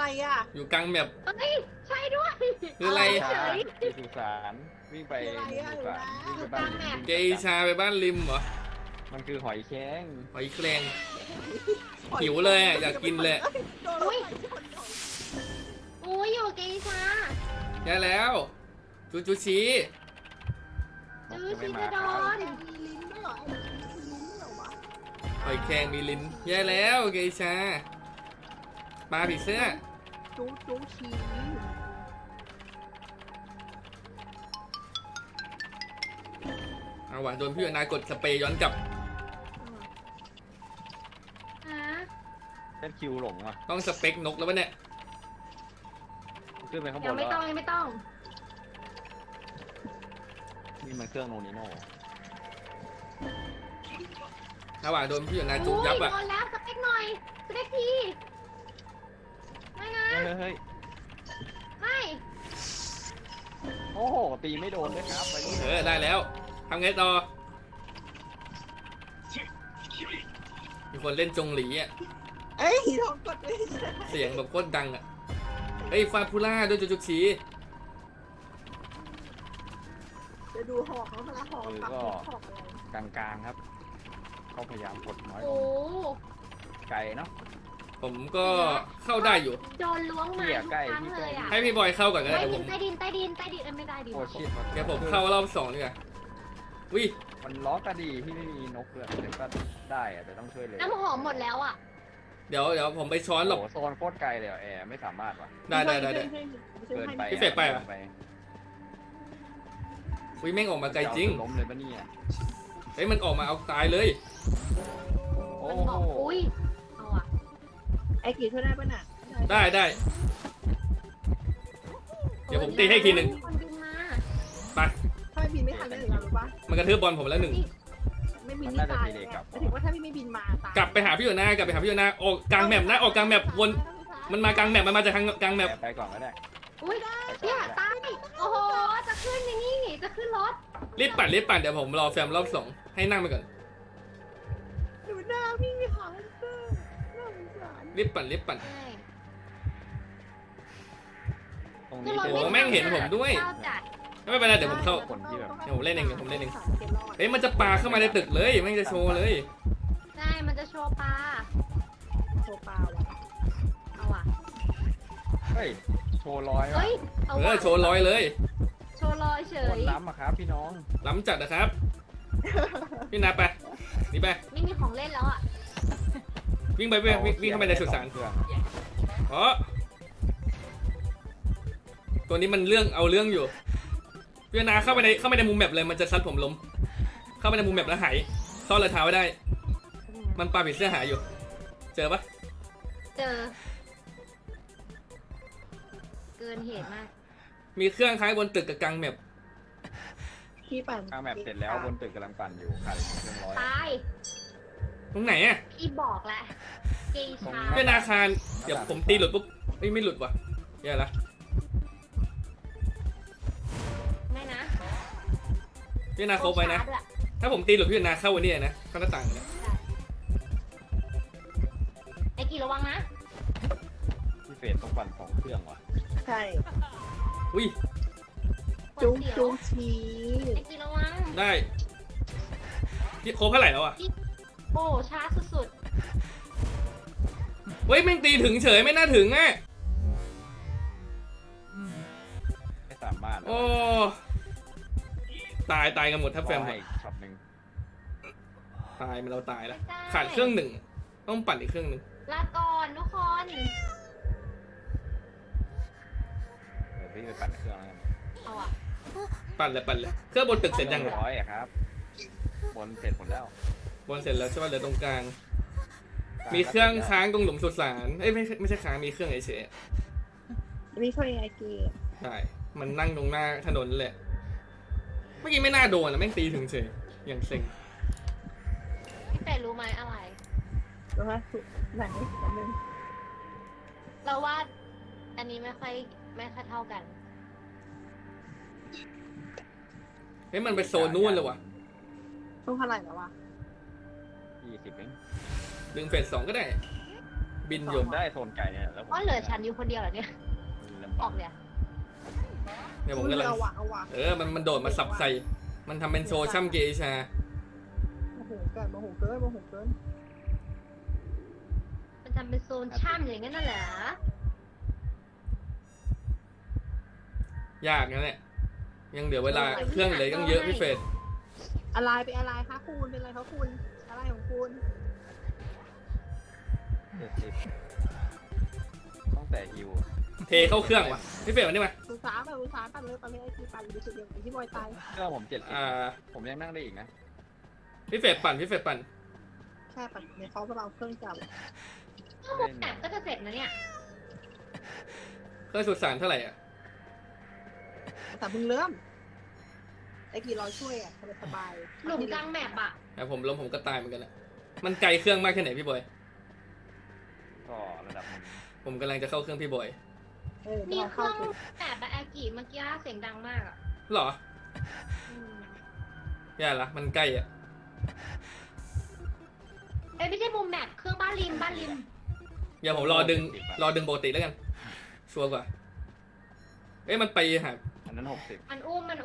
อ่ะอยู่กลางแมปเฮ้ยใช่ด้วยคืออะไรเฉยที่สุสานวิ่งไปสุสานวิ่งไปบ้านลิงเกชาไปบ้านริมเหรอมันคือหอยแครงหอยแครงหิวเลยอะอยากกินเลยอุ้ยอยู่เกชาแย่แล้วจูชีจื้อชินดอนมีลิ้นด้วยเหรอไอ้ลิ้นเหรอวะหอยแครงมีลิ้นแย่แล้วเกชาปลาผีเสื้อจู้ชีเอาว่ะโดนพี่อนากดสเปรย์ย้อนกลับฮะเล่นคิวหลงอ่ะต้องสเปคนกแล้ววะเนี่ยขึ้นไปข้างบยังนไม่แล้วต้องยังไม่ต้องนี่มันเครื่องโนนิโน่เอาว่ะโดนพี่อนาจุอุ้กยยับโดอ่ะนแล้วสเปคหน่อยสเปคทีไม่นะเฮ้ยไม่โอ้โหตีไม่โดนด้วยครับไปนี่ได้แล้วทำไงต่อมีคนเล่นจงหลีอ่ะเอ้ยทองกดไม่ใช่เสียงแบบโคตรดังอ่ะเฮ้ยฟาพูล่าด้วยจูชีจะดูหอกเขาพละหอกปักหอกอะไรกลางๆครับเขาพยายามกดน้อยลโอ้งไกลเนาะผมก็เข้าได้อยู่โดนล้วงมาเหี้ยทุกใกล้ครั้งเลยอ่ะให้พี่บอยเข้าก่อนก็ได้ใต้แต่ผดินมใต้ดินใต้ดินใต้ดินไม่ได้ดินโอ้ชิดเดี๋ยวผมเข้ารอบ2ดีกว่าวิมันล้อกระดีที่ไม่มีนกเลยแต่ก็ได้อะแต่ต้องช่วยเลยน้ำหอมหมดแล้วอ่ะเดี๋ยวผมไปช้อนหลบโอ้โหโซนโคตรไกลเลยอะแอร์ไม่สามารถว่ะได้เกินไปพี่เฟรดไปเหรอ วิแม่งออกมาไกลจริงล้มเลยปะเนี่ยเฮ้ยมันออกมาเอาตายเลยโอ้มันบโหอกอุ้ยเอาอ่ะไอ้กี่ช่วยได้ปะน่ะได้เดี๋ยวผมตีให้อีกทีหนึ่งมีคนบินมาไปถ้าไม่บินไม่ทันเลยเหรอรู้ปะมันกระทืบบอลผมแล้วหนึ่งไม่บินนี่ตายเลยหมายถึงว่าถ้าไม่บินมาตายกลับไปหาพี่อยู่หน้ากลับไปหาพี่อยู่หน้าออกกลางแมปนะออกกลางแมปวนมันมากลางแมปมันมาจากทางกลางแมปไปก่อนก็ได้อุ้ยไปก่เนี่อย นก็ได้ตายโอ้โหจะขึ้นอย่างนี้จะขึ้นรถรีบปั่นเดี๋ยวผมรอแฟมรอบ2ให้นั่งไปก่อนดูหน้าพี่หาเจอน่าสงสารรีบปั่นใช่ตรงขึ้นี้นรถโอ้แม่งเห็นผมด้วยเจ้าจัดไม่เป็นไรเดี๋ยวผมเข้าคนที่แบบเดี๋ยวผมเล่นเองเฮ้ยมันจะปาเข้ามาในตึกเลยแม่งจะโชว์เลยใช่มันจะโชว์ปลาโชว์ปลาวะเอาอ่ะเฮ้ยโชว์ร้อยว่ะเฮ้ยเอาว่ะโชว์ร้อยเลยโชว์ลอยเฉโคยตรล้ำอะครับพี่น้องล้ำจัดนะครับ พี่นาไปนี่ไปไม่มีของเล่นแล้วอ่ะวิ่งเข้าไปในสุสานเครื่องอ๋อตัวนี้มันเอาเรื่องอยู่พี่นาเข้าไปในมุมแมปเลยมันจะซัดผมล้มเข้าไปในมุมแมปแล้วหายซ่อนรอยเท้าไว้ได้ มันปาผีเสื้อหาอยู่ เจอปะเจอ เกินเหตุมากมีเครื่องคล้ายบนตึกกับกลางแมปพี่ปั่นข้างแบบเสร็จแล้วบนตึกกำลังปั่นอยู่ขาดอีกเครื่องร้อยตายตรงไหนอะพี่บอกแหละเกชาพี่นาคารเดี๋ยวผมตีหลุดปุ๊บไม่หลุดว่ะแย่ละไม่นะพี่นาโคบไปนะ ถ้าผมตีหลุดพี่นาเข้าวันนี้นะเข้าหน้าต่างนะไอ้กี่ระวังนะพี่เฟรดต้องปั่นสองเครื่องว่ะใช่อุ้ยจู้ชีไอ้กี่ระวังได้พี่โคบเท่าไหร่แล้วอะโอ้ช้าสุดเฮ้ยแม่งตีถึงเฉยไม่น่าถึงอะไม่สามารถโอ้ตายกันหมดถ้าแฟมให้ช็อตหนึ่งตายมันเราตายๆแล้วไม่ได้ขาดเครื่องหนึ่งต้องปั่นอีกเครื่องหนึ่งลาก่อนทุกคนเดี๋ยวพี่ไปปั่นเครื่องแล้วกันเอาอ่ะปั่นเลยเครื่องบนตึกเสร็จยังร้อยอะครับบนเสร็จหมดแล้วบนเสร็จแล้วใช่ป่ะเหลือตรงกลาง มีเครื่องค้างตรงหลุมสุสานเอ้ยไม่ใช่ค้างมีเครื่องเฉยนี่ช่วยไอกีๆใช่มันนั่งตรงหน้าถนนเลยเมื่อกี้ไม่น่าโดนนะแม่งตีถึงเฉยอย่างเซ็งพี่เป็ดรู้ไหมอะไรรู้ไหมไหนนึงเราว่าอันนี้ไม่ค่อยเท่ากันเฮ้ยมันไปโซนนู่นเลยว่ะต้องเท่าไหร่แล้ววะ 20เองดึงเฟส2ก็ได้บินอยู่ผมได้โซนไก่เนี่ยแล้วผมอ๋อเหลือฉันอยู่คนเดียวเหรอเนี่ยลำอบอกอกเลยอะเนี่ยผมกำลังเอาว่ะเอาว่ะมันโดดมาสับใส่ มันทำเป็นโซช่ำเกชาโมโหเกินโมโหเกินโมโหเกินมันทำเป็นโซนช่ำอย่างนั้นน่ะเหรอยากนะเนี่ยยังเหลือเวลาเครื่องเหลยต้องเยอะพี่เฟรดอะไรเป็นอะไรคะคุณเป็นอะไรคะคุณอะไรของคุณ 70ต้องแต่ฮิวเทเข้าเครื่องว่ะพี่เฟรดมานี่มาอุตสาห์ปั่นเลยไอ้ที่ปั่นอยู่จุดเดียวกับที่บอยตายเครื่องผม70ผมยังนั่งได้อีกนะพี่เฟรดปั่นพี่เฟรดปั่นแค่ปั่นในเขาเราเครื่องจับถ้าหมดแบบก็จะเสร็จนะเนี่ยเครื่องสุดสารเท่าไหร่อ่ะแต่เพิ่งเริ่มไอ้กี่รอช่วยอ่ะสบายหลุมกลางแมปอะแต่ผมล้มผมก็ตายเหมือนกันแหละมันไกลเครื่องมากแค่ไหนพี่บอยก็ระดับหนึ่งผมกำลังจะเข้าเครื่องพี่บอยมีเราเคเข้ารื่องไปแบบแบบอากิเมื่อกี้เสียงดังมากอะหรออืมอย่าละมันใกล้อ่ะเอ้ยไม่ใช่มุมแมปเครื่องบ้านริมเดี๋ยวผมรอดึงปกติแล้วกัน ชัวร์กว่า เอ้ยมันไปหาอันนั้น60 มันอุ้มมัน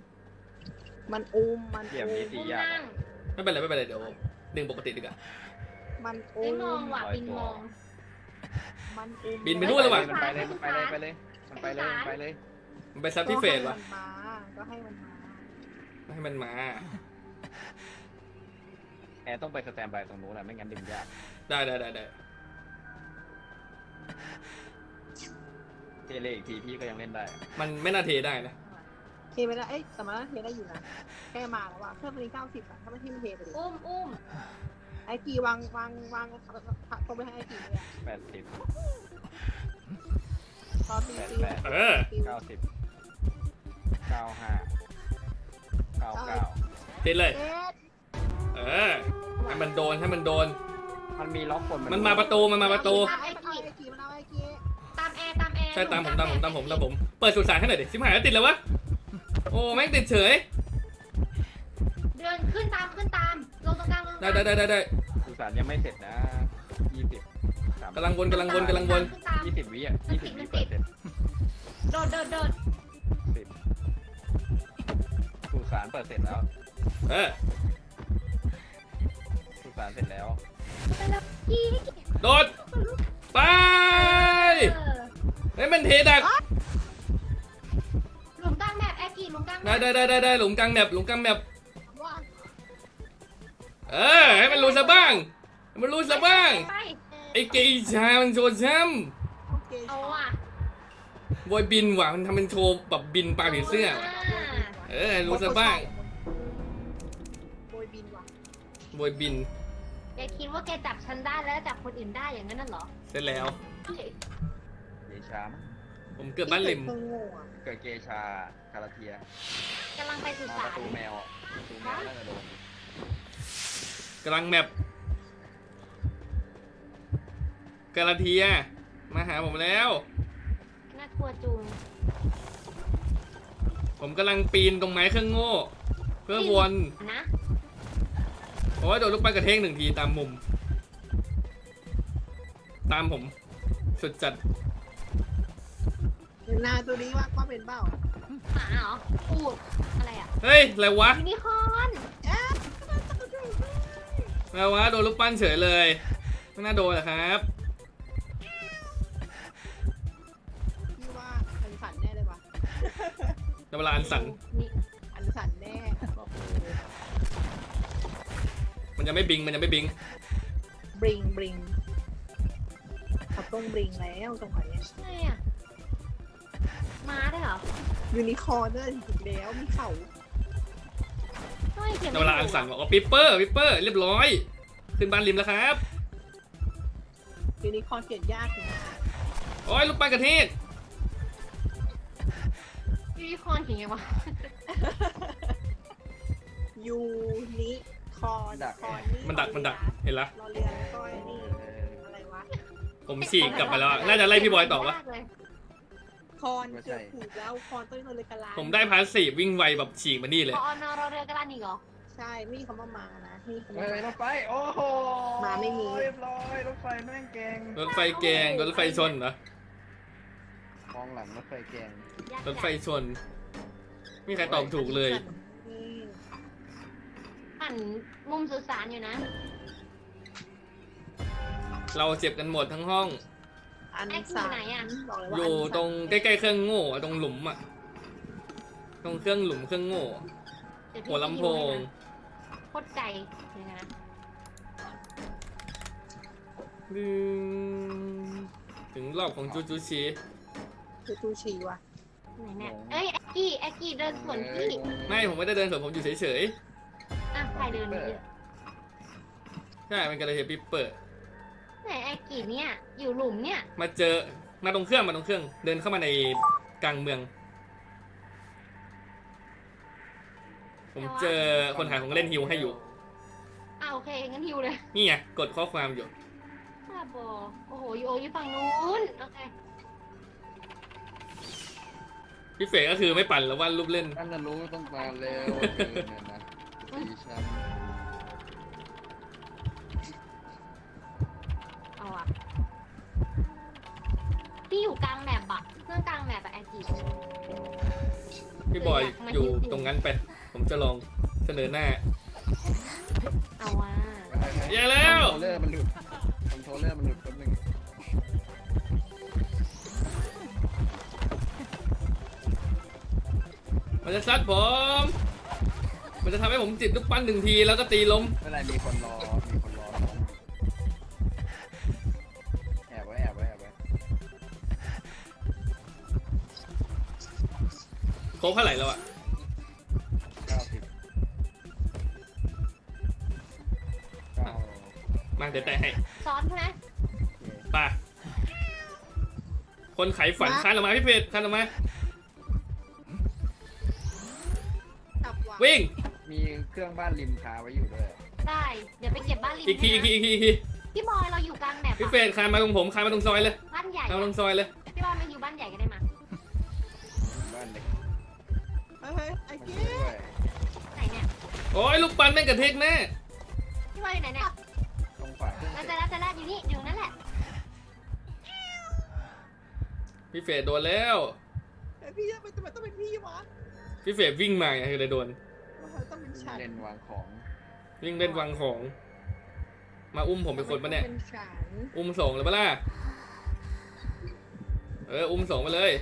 เดี๋ยวมีอุ้ตีมยากนั่งไม่เป็นไรเดี๋ยวดึงปกติดีกว่ามันไม่มองว่ะบินมองมันบินไปนู่นเลยว่ะมันไปเลยมันไปเลยมันไปเลยมันไปซับพี่เฟรดวะก็ให้มันมาให้มันมาแอร์ต้องไปสแตนบายตรงนู้นแหละไม่งั้นดึงยากได้เทเลอีกทีพี่ก็ยังเล่นได้มันไม่น่าเทได้นะเทไปแล้วแต่มันเทได้อยู่นะแค่มาแล้วว่ะเครื่องมัน90อ่ะถ้าไม่ที่มันเทไปดิอุ้มไอ้กี่วางตรงไปให้ไอ้กี่เลยอ่ะ 80 ตอนตีตีเออ 90 95 99 เทเลยเอ๊ะเออ ให้มันโดนมันมีล็อกคนมันมาประตูมันเอาไอ้กี่มันเอาไอ้กี่ตามแอร์ใช่ตามผม เปิดสุสานให้หน่อยดิชิบหายแล้วติดแล้ววะ โอ้แม่งติดเฉยเดินขึ้นตามลงตรงกลางได้สุสานยังไม่เสร็จนะ20 กำลังวนขึ้นตาม 20 วิอ่ะ20 วิเปิดเสร็จโดด 10สุสานเปิดเสร็จแล้วเออสุสานเสร็จแล้วไปแล้วกี่โดด ไป เฮ้ยมันเทดักหลุมกลางแมปแอร์กี่หลุมกลางแมปได้หลุมกลางแมปว่าเออ ให้มันรู้ซะบ้างไปไอ้เกย์ชา มันโชว์ช้โอเคเอาอ่ะำบอยบินว่ะ มันทำเป็นโชว์แบบบินปลาผีเสื้อว่ะเออให้รู้ซะบ้างโบยบินว่ะบอยบินแกคิดว่าแกจับฉันได้แล้วจับคนอื่นได้อย่างนั้นน่ะเหรอเสร็จแล้วเกชามั้งผมเกิดบ้านริมเครื่องโง่อะเกิดเกชาคาราเทียกำลังไปสุปสานระตูแมวน่าจะโดนกำลังแมปกาลาเทีย มาหาผมแล้วน่ากลัวจุงผมกำลังปีนตรงไม้เครื่องโง่ เพื่อวนนะเพราะว่าโดนลูกปั้นกระเทง1 ทีตามมุม ตามผม สุดจัดนาตัวนี้ว่าเป็นเบ้าหมาเหรออูดอะไรอ่ะเฮ้ย อะไรวะยูนิคอร์นอะไรวะ โดนลูกปั้นเฉยเลยไม่น่าโดนนะครับพี่ว่าอันสันแน่เลยว่ะเวลาอันสันนี่อันสันแน่บอกเลยมันจะไม่บิงบริงเขาต้องบริงแล้วตรงไหนไงอ่ะม้าได้เหรอยูนิคอร์นเนี่ยถึงแล้วมีเข่าทำไมเขียนเวลาอันสันบอกว่าปิปเปอร์เรียบร้อย ขึ้นบ้านริมแล้วครับยูนิคอร์นเขียนยากอยู่นะโอ้ยลูกปั้นกระเทงยูนิคอร์นเขียนไงวะยูนิคอร์นคอร์นี่มันดัก เห็นละรอเรือแล้วก็ไอ้นี่อะไรวะผมฉีกกลับมาแล้วอะน่าจะไล่พี่บอยต่อวะคอนเกือบถูกแล้วคอนต้นเลยกะลาผมได้พาสซีฟวิ่งไวแบบฉีกมานี่เลยพออนอรอเรือกระดานอีกเหรอใช่ไม่มีคำว่ามานะไม่มีคำเฮ้ว่ายรถไฟโอ้โหมาไม่มีเรียบร้อยรถไฟแม่งแกงรถไฟแกงรถไฟชนเหรอมองหลังรถไฟแกงยากรถไฟชนไม่มีใครตอบถูกเลยนี่หันมุมสุสานอยู่นะเราเจ็บกันหมดทั้งห้องอันแม็กซ์สามอยู่ไหนอะบอกเลยอว่ายู่อันตรงใกล้ๆเครื่องโง่อะตรงหลุมอะตรงเครื่องหลุมเครื่องโง่อะเดี๋ยวพี่หัวลำโพงโคตรไกลเลยนะถึงรอบของจูจูชีคือตูชีว่ะไหนเนี่ยเอ้ยแอ็กกี้เดินสวนพี่ไม่ผมไม่ได้เดินสวนผมอยู่เฉยอ่ะใครเดินนี่ๆใช่มันกระเทียมปิปเปอร์ไหนแอ็กกี้เนี่ยอยู่หลุมเนี่ยมาเจอมาตรงเครื่องเดินเข้ามาในกลางเมือง ผมเจอคนขายของเล่นฮิวให้อยู่อ่ะโอเคงั้นฮิวเลยนี่ไงกดข้อความอยู่บ้าบอโอ้โหอยู่ฝั่งนู้นโอเคพี่เฟกก็คือไม่ปั่นแล้ววาดรูปเล่นท่านจะรู้ต้องมาเร็วเกินเนี่ยนะสีช้เอาอะพี่อยู่กลางแมปอะเครื่องกลางแมปอะแอ็กกี้พี่บอยอยู่ตรงนั้นไป ผมจะลองเสนอหน้าเอาว่ะำแย่แล้วคอนโทรลเลอร์มันหลุดคอนโทรลเลอร์มันหลุดแป๊บนึงมันจะซัดผม มันจะทำให้ผมจิตลูกปั้นหนึ่งทีแล้วก็ตีล้มไม่เป็นไรมีคนรอน้องแอบไว้โค้งเท่าไหร่แล้วอะ 90 มาเดี๋ยวแตะให้ซ้อนใช่ไหมป่ะคนไขฝันคานออกมาพี่เฟกคานออกมาจับว่ะวิ่งมีเครื่องบ้านริมคาไว้อยู่ด้วยได้เดี๋ยวไปเก็บบ้านริมอีกทีให้นะพี่บอยเราอยู่กลางแมปพี่อะเฟกคานมาตรงผมคานมาตรงซอยเลยบ้านใหญ่คานอะมาตรงซอยเลยพี่บอยมาอยู่บ้านใหญ่ก็ได้มาบ้านเล็กเฮ้ยไอ้มันเกี้ด้วยไหนเนี่ยโอ้ยลูกปั้นแม่งกระเทกแน่พี่บอยอยู่ไหนเนี่ยตรงฝาเครื่องแล้วเสร็จจะแล้วอยู่นี่อยู่นั่นแหละพี่เฟกโดนแล้วไอ้พี่ทำไมต้องเป็นพี่วะพี่เฟกวิ่งมาไงเลยโดนทำไมต้องเป็นฉันเล่นวางของวิ่งเล่นวางของ มาอุ้มผมเป็นคนปะเนี่ยเป็นฉันอุ้มส่งเลยปะล่ะอุ้มส่งไปเลย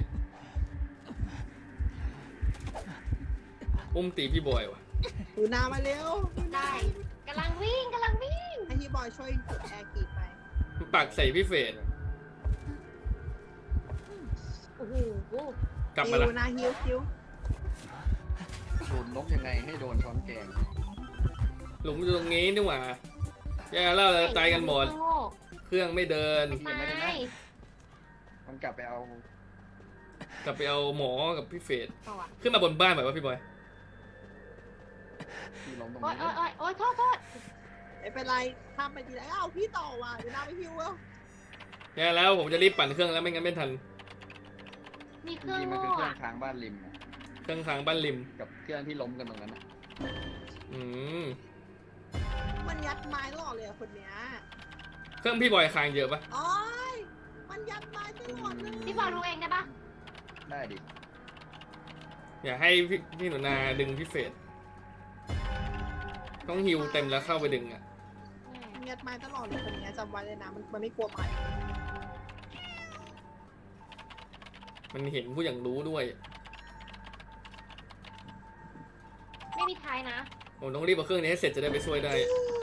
อุ้มตีพี่บอยว่ะดูนามาเร็วดูนาได้กำลังวิ่งให้พี่บอยช่วยกดแอร์กีไปมันปักใส่พี่เฟกโอ้โหกลับมาละฮิวนาฮิวคิวโดนนกยังไงให้โดนช้อนแกงหลุมอยู่ตรงนี้นี่หว่าแย่แล้วเราตายกันหมดโง่เครื่องไม่เดินตายมันกลับไปเอากลับไปเอาหมอกับพี่เฟสต่ออะขึ้นมาบนบ้านหน่อยว่าพี่บอยที่ลงตรงโอ๊ยนี้โอ๊ยโทษไม่เป็นไรข้ามไปทีไรอ้าวพี่ต่อว่ะเดี๋ยวนาไปฮิวแล้วแย่แล้วผมจะรีบปั่นเครื่องแล้วไม่งั้นไม่ทันมีเคจรื่องริงๆมันโง่คือเครื่ออะงค้างบ้านริมอะเครื่องค้างบ้านริมกับเครื่องที่ล้มกันตรงนั้นอะอืมมันยัดไม้ตลอดเลยอะคนเนี้ยเครื่องพี่บอยค้างเยอะปะโอ้ยมันยัดไม้ตลอดเลยพี่บอลรู้เองได้ปะได้ดิอย่าให้พี่หนูนาดึงพี่เฟสต้องฮิวเต็มแล้วเข้าไปดึงอ่ะมันยัดไม้ตลอดเลยคนเนี้ยจำไว้เลยนะมันไม่กลัวไม้มันเห็นผู้อย่างรู้ด้วยไม่มีท้ายนะผมต้องรีบเอาเครื่องนี้ให้เสร็จจะได้ไปช่วยได้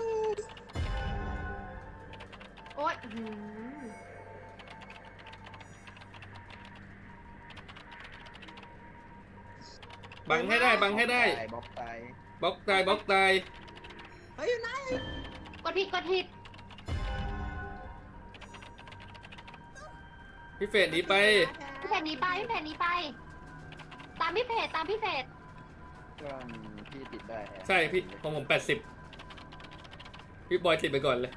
โอ๊ยอื้อหือบังให้ได้บังให้ได้บล็อกตายบล็อกตายบล็อกตายเฮ้ยอยู่ไหนกดผิดพี่เฟสหนีไปพี่เพจหนีไป ตามพี่เพจเครื่องที่ติดได้แอร์ใช่พี่ของผม80พี่บอยติดไปก่อนเลย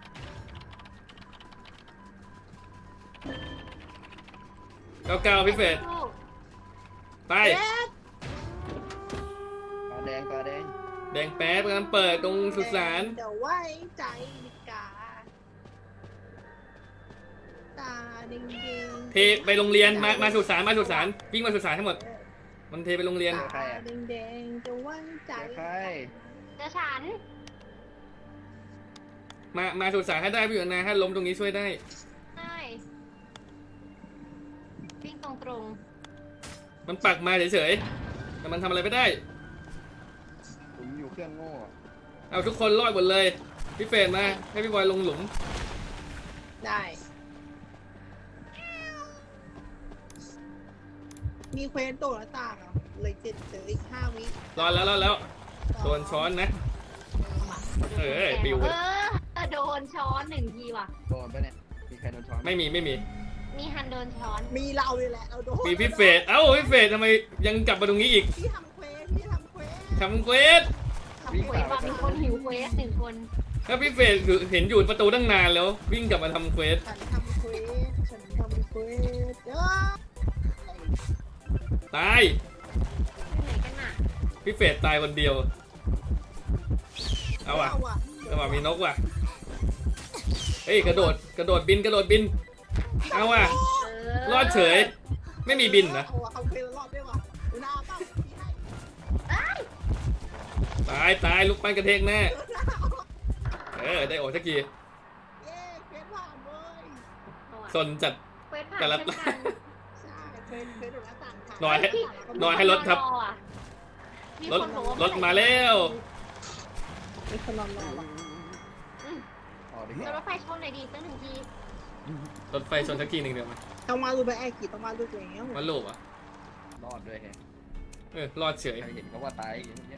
99พี่เฟสไปเอ๊ะตาแดงแดงแป๊บกำลังเปิดตรงสุสานจะไว้ใจนิกาตาดิงดิงเทไปโรงเรียนมาสุสานวิ่งมาสุสานทั้งหมดมันเทไปโรงเรียนตาดิงดิงจะไว้ใจใครเจอฉันมาสุสานให้ได้พี่อยู่นะถ้าล้มตรงนี้ช่วยได้ใช่วิ่งตรงมันปักมาเฉยๆแต่มันทำอะไรไม่ได้ผมอยู่เครื่องโง่เอาทุกคนรอดหมดเลยพี่เฟรนมาให้พี่บอยลงหลุมได้มีเควสโดดหน้าต่างเหรอเลยเจ็ดเจออีก5 วิรอดแล้วโดนช้อนนะมาๆเออปิวโดนช้อน1 ทีว่ะโดนปะเนี่ยมีใครโดนช้อนไม่มีมีฮันโดนช้อนมีเราเลยแหละเราโดนมีพี่เฟรนพี่เฟรนทำไมยังกลับมาตรงนี้อีกพี่ทำเควสพี่ทำเควสทำเควสทำเควสว่ามีคนหิวเควส1 คนถ้าพี่เฟรนเห็นอยู่ประตูตั้งนานแล้ว วิ่งกลับมาทำเควสฉันทำเควสฉันทำเควสตายอยู่ไหนกันน่ะพี่เฟรนตายคนเดียวเอาว่ะมีนกว่ะเฮ้ยกระโดดบินเอาว่ะ รอดเฉย ไม่มีบินนะเอาว่ะเขาเคยรอดด้วยว่ะอุณาเป้าพี่ให้ตายลูกปั้นกระเทกแน่ได้ออกสักทีเย้เควสผ่านเว้ยเอาอะสนจัดเควสผ่านแต่ละเช่นกันใช่เควสโดดหน้าต่างผ่านหน่อยให้รถครับมีรถคนบอกว่รถมาแล้วมีคนนอนรอว่ะอ๋อดีรถไฟชนหน่อยดีสัก1 ทีรถไฟชนสักทีหนึ่งเดี๋ยวมาต้องมาดูไปแอร์กี่ต้องมาดูแล้วมาลูกอ่ะรอดด้วยแฮะรอดเฉยใครเห็นเขาว่าตายอย่างเงี้ย